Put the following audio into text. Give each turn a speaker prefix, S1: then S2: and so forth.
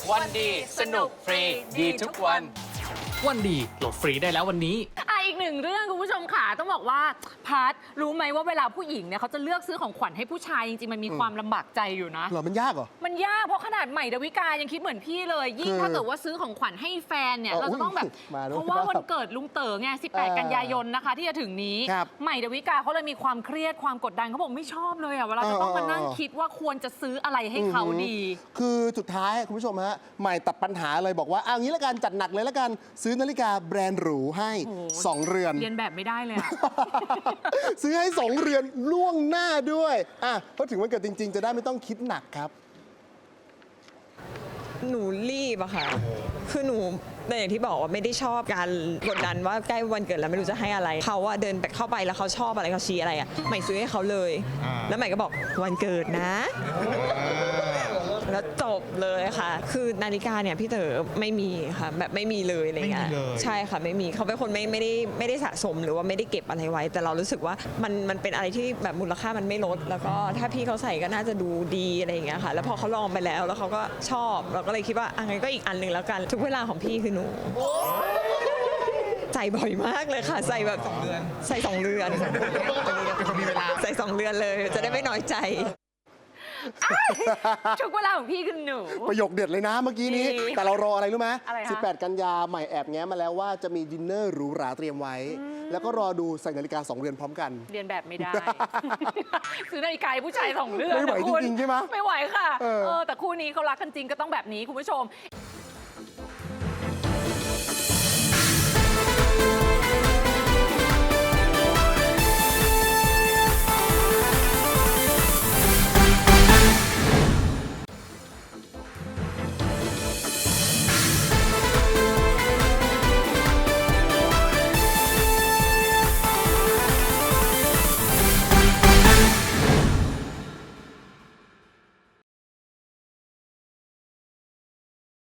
S1: วันดีสนุกฟรีดีทุกวัน
S2: วันดีโหลดฟรีได้แล้ววันนี้
S3: อีกหนึ่งเรื่องคุณผู้ชมค่ะต้องบอกว่าพัทรู้ไหมว่าเวลาผู้หญิงเนี่ยเขาจะเลือกซื้อของขวัญให้ผู้ชายจริงๆมันมีความลำบากใจอยู่นะ
S4: เหรอมันยากเหรอ
S3: มันยากเพราะขนาดใหม่ดาวิกายังคิดเหมือนพี่เลยยิ่งถ้าเกิดว่าซื้อของขวัญให้แฟนเนี่ยเราจะต้องแบบเพราะว่าวันเกิดลุงเต๋อไง18 กันยายนนะคะที่จะถึงนี้ใหม่ดาวิกาเขาเลยมีความเครียดความกดดันเขาบอกไม่ชอบเลยเวลาจะต้องมานั่งคิดว่าควรจะซื้ออะไรให้เขาดี
S4: คือสุดท้ายคุณผู้ชมฮะใหม่ตัดปัญหาเลยบอกว่าเอางี้ละกันจัดหนักเลยละกันซื้อนาฬิกาแบรนด์หรูให้2 เรือน
S3: เรียนแบบไม่ได้เลย
S4: ซื้อให้2 เรือนล่วงหน้าด้วยเพราะถึงวันเกิดจริงๆจะได้ไม่ต้องคิดหนักครับ
S5: หนูรีบอะค่ะคือหนูแต่อย่างที่บอกว่าไม่ได้ชอบการกดดันว่าใกล้วันเกิดแล้วไม่รู้จะให้อะไรเขาว่าเดินเข้าไปแล้วเขาชอบอะไรเขาชี้อะไรอะใหม่ซื้อให้เขาเลยแล้วใหม่ก็บอกวันเกิดนะแล้วจบเลยค่ะคือนาฬิกาเนี่ยพี่เต๋อไม่มีค่ะแบบไม่มีเลยอะไรเงี้ยใช่ค่ะไม่มีเขาเป็นคนไม่ได้สะสมหรือว่าไม่ได้เก็บอะไรไว้แต่เรารู้สึกว่ามันเป็นอะไรที่แบบมูลค่ามันไม่ลดแล้วก็ถ้าพี่เขาใส่ก็น่าจะดูดีอะไรอย่างเงี้ยค่ะแล้วพอเขาลองไปแล้วเขาก็ชอบเราก็เลยคิดว่างั้นก็อีกอันหนึ่งแล้วกันทุกเวลาของพี่คือหนูใส่บ่อยมากเลยค่ะใส่แบบใส่2 เดือนใส่2 เดือนเลยจะได้ไม่น้อยใจ
S3: ทุกเวลาของพี่คือหนู
S4: ประโยคเด็ดเลยนะเมื่อกี้นี้แต่เรารออะไรรู้ไหม
S3: 18
S4: กันยาใหม่แอบแง้มมาแล้วว่าจะมีดินเนอร์หรูหราเตรียมไว้แล้วก็รอดูใส่นาฬิกา2 เรือนพร้อมกัน
S3: เรียนแบบไม่ได้ซื้อนาฬิกาผู้ชาย2 เรือน
S4: ไม่ไหวจริงๆใช่ไหม
S3: ไม่ไหวค่ะแต่คู่นี้เขารักกันจริงก็ต้องแบบนี้คุณผู้ชม